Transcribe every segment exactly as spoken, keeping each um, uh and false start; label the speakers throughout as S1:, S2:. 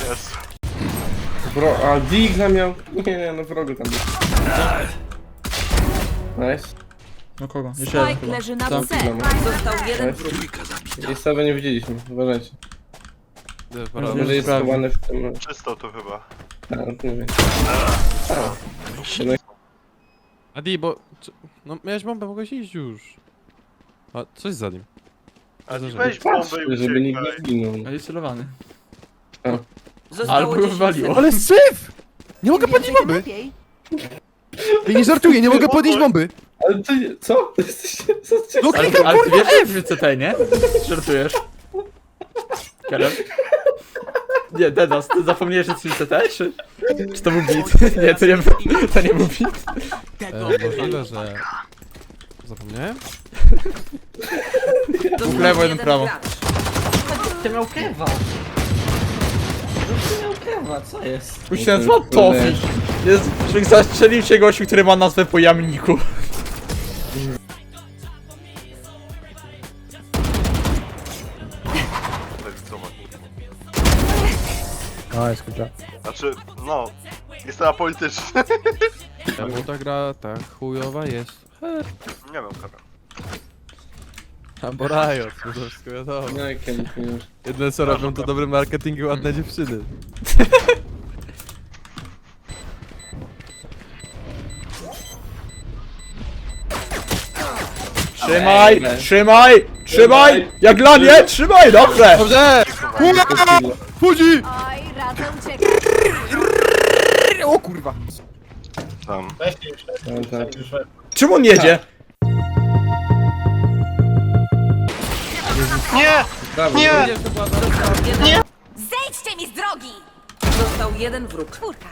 S1: Jest.
S2: Bro, a Digla miał... Nie, nie, no wrogu tam był. Nice.
S3: No kogo? Jeszcze jeden
S4: Spike
S3: chyba.
S4: leży na
S3: Tam.
S4: C. Został jeden wróg.
S2: I sobie nie widzieliśmy, uważajcie.
S3: Może
S2: Może jest
S3: sprawdzić.
S2: schowany w tym...
S1: Czysto tu chyba.
S2: A, nie wiem.
S5: Adi, bo... czy- No miałeś bombę, mogłeś iść już. A, coś za nim.
S1: A
S5: Za-
S1: weź bombę i
S2: Żeby nikt nie
S1: uciekaj.
S2: zginął.
S3: A jest celowany.
S4: Zostało
S3: Albo
S4: dziesięć
S3: wywaliło.
S4: sekund.
S6: Ale syf! Nie mogę podnieść bomby!
S4: Lepiej.
S6: Ja nie żartuję, nie mogę podnieść bomby!
S2: Ale ty nie... Co? Jesteście... Co?
S6: No
S3: Ale,
S6: klikam
S3: ale ty
S6: kurwa
S3: wiesz, że
S6: F!
S3: w C T, nie? Żartujesz. Kerem? Nie, Dedos, ty zapomniałeś, że to jest C T, czy... Czy to był beat? Nie, to nie był, to nie był beat.
S5: E, możliwe, że... Zapomniałem?
S4: Został
S3: lewo, jeden
S4: jeden
S3: prawo.
S4: gracz.
S7: Ty miał kewa. No ty miał kewa, co jest?
S3: Musi się nazywa Tofi. Jest, człowiek zastrzelił się gościu, który ma nazwę po jamniku.
S1: Lewicowa.
S6: A, jest kurczę.
S1: Znaczy, no. Jestem apolityczny.
S5: Czemu ta gra tak chujowa jest?
S1: Nie wiem, kara.
S5: Albo Riot, no to wszystko wiadomo.
S2: No jak ja nie wiem.
S5: Jedne co robią to dobry marketing i ładne dziewczyny.
S3: Trzymaj, trzymaj, trzymaj! Jak dla mnie, trzymaj, dobrze!
S5: Dobrze!
S6: Chodzi!
S4: Oj, radzę uciekać.
S6: O kurwa!
S1: Tam.
S2: No, tak.
S3: Czym on jedzie?
S1: Nie!
S2: Brawo.
S1: Nie!
S4: Jeden... Zejdźcie mi z drogi! Został jeden wróg. Czwórka.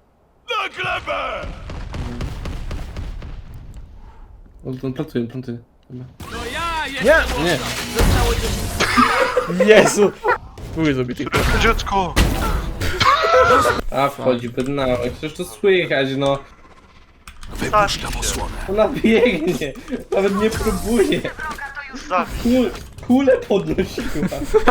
S2: O, on plantuje, plantuje.
S4: Zostało dziesięć.
S3: Jezu! Były zabity.
S1: Dziecko!
S2: A, wchodzi bednałek, przecież to słychać, no.
S1: Zabij się.
S2: Ona biegnie, nawet nie próbuje.
S1: Zabij.
S2: Kul, kulę podnosiła.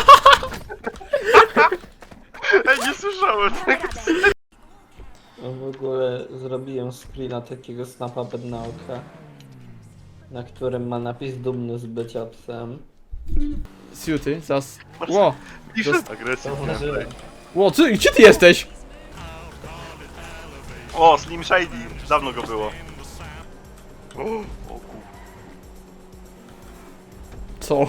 S1: Ej, nie słyszałem tego.
S7: No w ogóle zrobiłem screena takiego snapa bednauka, na którym ma napis dumny z bycia psem.
S3: Siuty, zas... Ło!
S1: Pisze agresję.
S7: Zauważyłem.
S3: Ło, ty, gdzie ty jesteś?
S1: O, Slim Shady. Dawno go było. O, o kur...
S3: Co?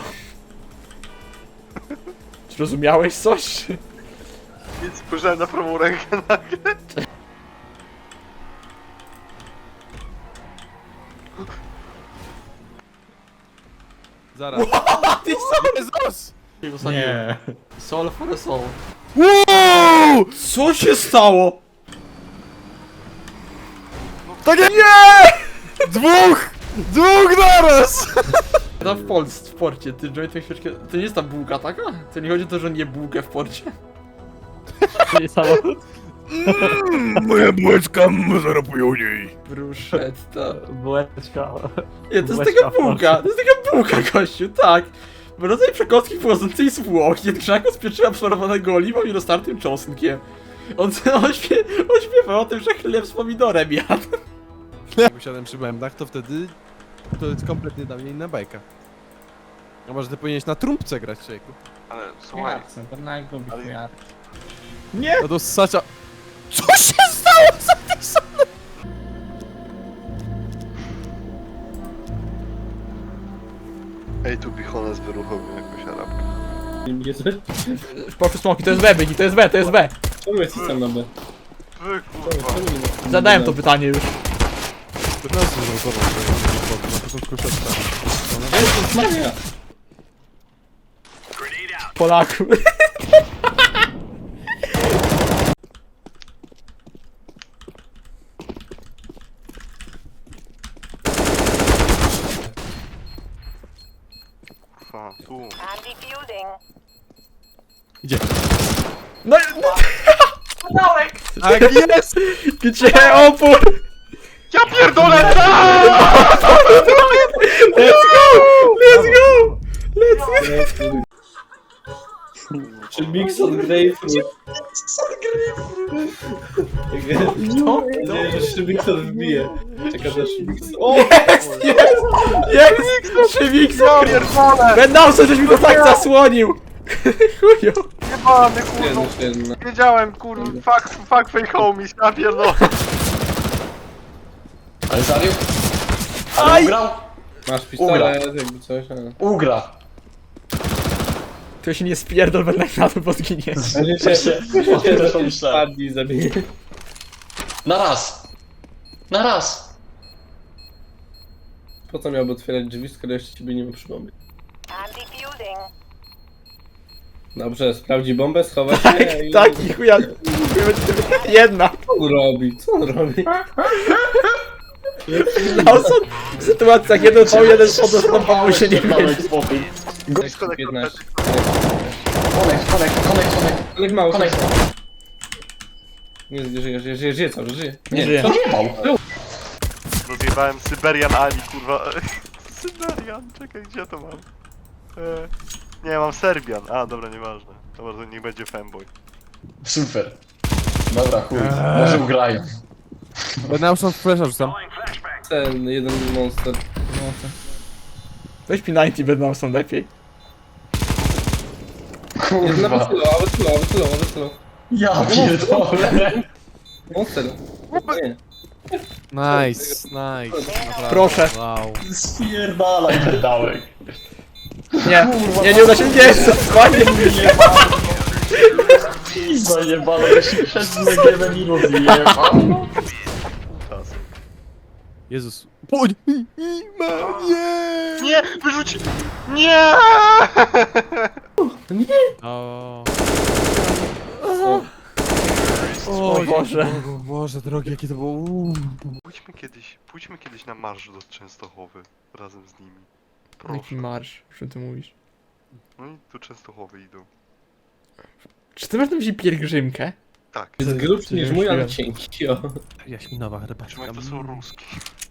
S3: Czy rozumiałeś coś?
S1: Więc spojrzałem na prawą rękę nagle.
S5: Zaraz.
S6: Jezus!
S3: Nie. Soul for a soul.
S6: Wow!
S3: Co się stało?
S6: Tak jak... Nie! Dwóch! Dwóch naraz!
S3: Tam w Polsce, w porcie, ty Joey tę świeczkę... To nie jest ta bułka taka? To nie chodzi o to, że nie bułkę w porcie?
S7: Nie samochód?
S6: Moja bułeczka, zaraz po niej.
S3: Bruszetta.
S7: Bułeczka.
S3: Nie, to jest
S7: Bułeczka
S3: taka
S7: w
S3: bułka, to jest taka bułka, gościu, tak. Rodzaj przekąski pochodzącej z Włoch, jednakże z pieczywa absorbowanego oliwą i roztartym czosnkiem. On, on, śpie, on śpiewał o tym, że chleb z pomidorem jadł.
S5: Jak usiadłem przy bębnach, to wtedy... To jest kompletnie dla mnie inna bajka. A może ty powinieneś na trumpce grać, człowieku?
S1: Ale słuchaj.
S7: Bednauk lubi
S1: Ale-
S7: chujar.
S5: No to ssacza... Co się stało za tej strony?
S1: Ej, tu Bichones wyruchował jakąś arabkę.
S3: Poszły smoki, to jest B, Byki, to jest B, to jest B.
S2: Czemu jesteś sam na B?
S1: Wy kurwa.
S3: Zadałem to pytanie już.
S5: piętnaście zrokował, na początku szesna.
S2: Jezus Maria!
S3: Polaku.
S1: Kurwa, tu.
S5: Gdzie?
S3: No, no,
S5: Tak jest!
S3: gdzie opór?
S1: Ja pierdolę!
S3: Let's go! Let's go! Let's go!
S2: Czy mix od grapefruit?
S3: No,
S2: Nie, że Szybikson wbije. Czeka na Szybikson. O!
S3: jest, jest, jest, Szybikson! Bednausen, żeś mi to tak zasłonił! Chujo.
S1: Jebany, kurwa.
S2: Jedno, jedna.
S1: Wiedziałem, kurwa, fuck, fuck fake homies, ja pierdolę.
S8: Ale zabił?
S3: Aj!
S8: Ale ugrał?
S2: Masz pistolet, jakby coś, ale...
S8: Ugra.
S3: To się nie spierdol, będę na to podginie.
S2: Ale
S8: Właśnie, o tym też pomyślałem.
S2: Padnij, zabij.
S8: Na raz. Na raz.
S2: Po co miałby otwierać drzwi, skoro jeszcze ciebie nie ma przy bombie? Dobrze, sprawdzi bombę, schowa się
S3: Tak,
S2: i...
S3: tak, i chuja. Jedna.
S2: Co on robi? Co on robi?
S3: Nauson w sytuacjach jeden v jeden podostępował się nie
S8: Małek
S3: mieści.
S8: spokój.
S1: Blisko na
S2: piętnaście.
S8: Konek, konek, konek, konek.
S2: Ale mało.
S8: Konek.
S2: Nie, żyje, żyje, żyje, żyje, żyje cały, czas, żyje.
S3: Nie żyje.
S8: To nie bał.
S1: Rozjebałem Syberian Ali, kurwa. Syberian, czekaj, gdzie ja to mam? E, nie, mam Serbian. A, dobra, nieważne. Dobra, to niech będzie fanboy.
S8: Super. Dobra, chuj. Może ugrają.
S5: Bednausen w flesza rzucam.
S2: Ten jeden monster.
S3: Weź P dziewięćdziesiąt Bednausen lepiej.
S2: Jedna
S8: Kurwa.
S2: wysyła, wysyła, wysyła, wysyła.
S8: Ja pierdolę.
S2: Monster. Nie.
S5: Nice, nice. Naprawdę.
S3: Proszę.
S5: Wow.
S8: Spierdalaj, pedałek.
S3: Nie, nie, nie uda się, nie, spokojnie.
S8: Pizza jebana, ja się przed negiewem i rozjebał.
S1: Czas.
S5: Jezus. Pójdź! Nie!
S1: Nie! Wyrzuć! Nie!
S5: O,
S3: O Boże.
S5: o Boże drogi, jakie to było. Uuu.
S1: Pójdźmy kiedyś, pójdźmy kiedyś na marsz do Częstochowy. Razem z nimi.
S3: Jaki
S1: Proszę.
S3: marsz, o czym ty mówisz?
S1: No i tu Częstochowy idą.
S3: Czy ty masz na myśli pielgrzymkę?
S1: Tak.
S2: Jest grubszy niż mój, ale
S3: Myśliłem.
S2: cienki, o.
S5: Jaśminowa herbatka.
S1: Trzymaj, to są ruski.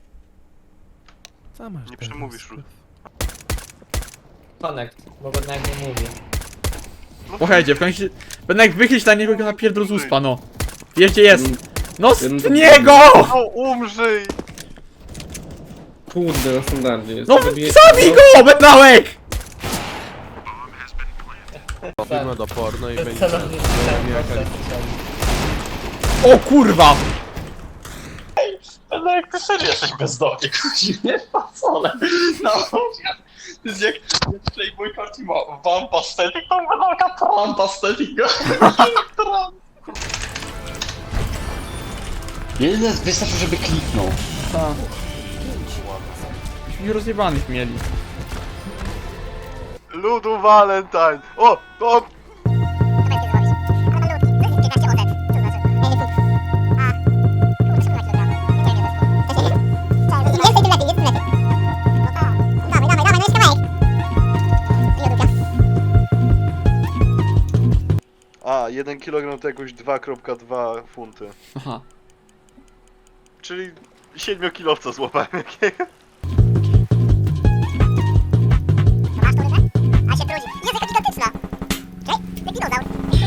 S5: Co masz
S1: Nie
S5: teraz?
S1: przemówisz, Rud.
S7: Connect, bo jednak nie mówi.
S3: Pochajcie, w końcu... Będę jak wychylić na niego na pierdol z uspa, no. Wiesz gdzie jest? No z niego!
S1: No umrzyj!
S2: Kurde, na standardzie jest.
S3: No
S2: Zabiję-
S3: zabij go, Bednałek!
S5: Robimy do porno i będzie...
S7: Celownik
S3: O kurwa!
S8: No jak ty serio jesteś bezdomny, nie facole. No, to jest jak Playboy Carti ma Wampa Static, to wygląda Trumpa Static. Jeden wystarczy, żeby kliknął.
S3: Myśmy rozjebanych mieli.
S1: Ludu Valentine! O! O! A, jeden kilogram to jakoś dwa przecinek dwa funty.
S3: Aha.
S1: Czyli siedmiokilowca złapałem jakiego.
S9: A się brudzi. Jest jaka gigantyczna! Ej, ten dinozaur!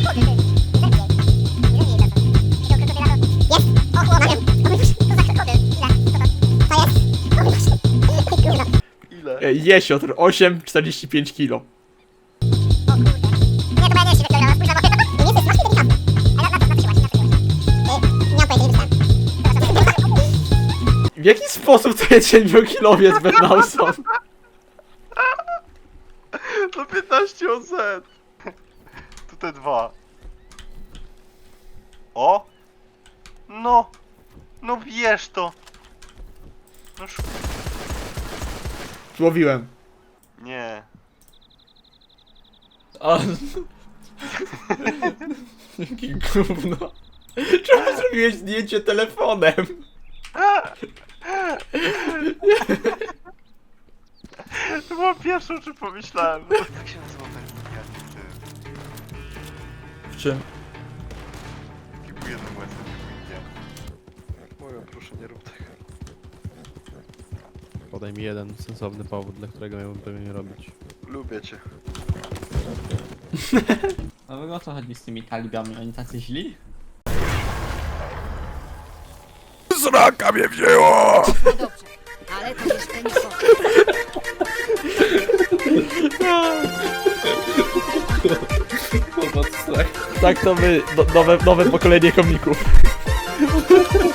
S9: Jest! O, chłopie! O mój Boże, to za krokodyl! Ile? Co to? To jest? O mój Boże! Ej, kurwa!
S1: Ile?
S3: E, Jesiotr, osiem czterdzieści pięć kilo.
S9: O kurde! Nie, to moja nie jest kilograma, spójrz na bokę, to... Nie, nie, jest smaczny delikatny! Ale na, na, na, natrzymasz, natrzymasz. Nie mam pojęcia, nie myślałem.
S3: W jaki sposób to jest siedmiokilowiec Bednausen?
S1: To piętnaście O Z! Tu te dwa. O! No! No wiesz to! No sz...
S3: Złowiłem.
S1: Nie.
S3: A... Jaki gówno. Czemu zrobiłeś zdjęcie telefonem?
S1: To było pierwsze, o czym pomyślałem. No, jak się nazywa ten gówniany ty?
S3: W czym?
S1: Taki był jeden łezny, nie Moją, proszę nie rób tego.
S5: Podaj mi jeden sensowny powód, dla którego miałbym tego nie robić.
S1: Lubię cię.
S7: No o co chodzi z tymi talibami? Oni tacy źli?
S6: Sraka mnie wzięło!
S4: Dobrze, ale to jeszcze nie koniec.
S3: Tak to my, no, nowe, nowe pokolenie komików.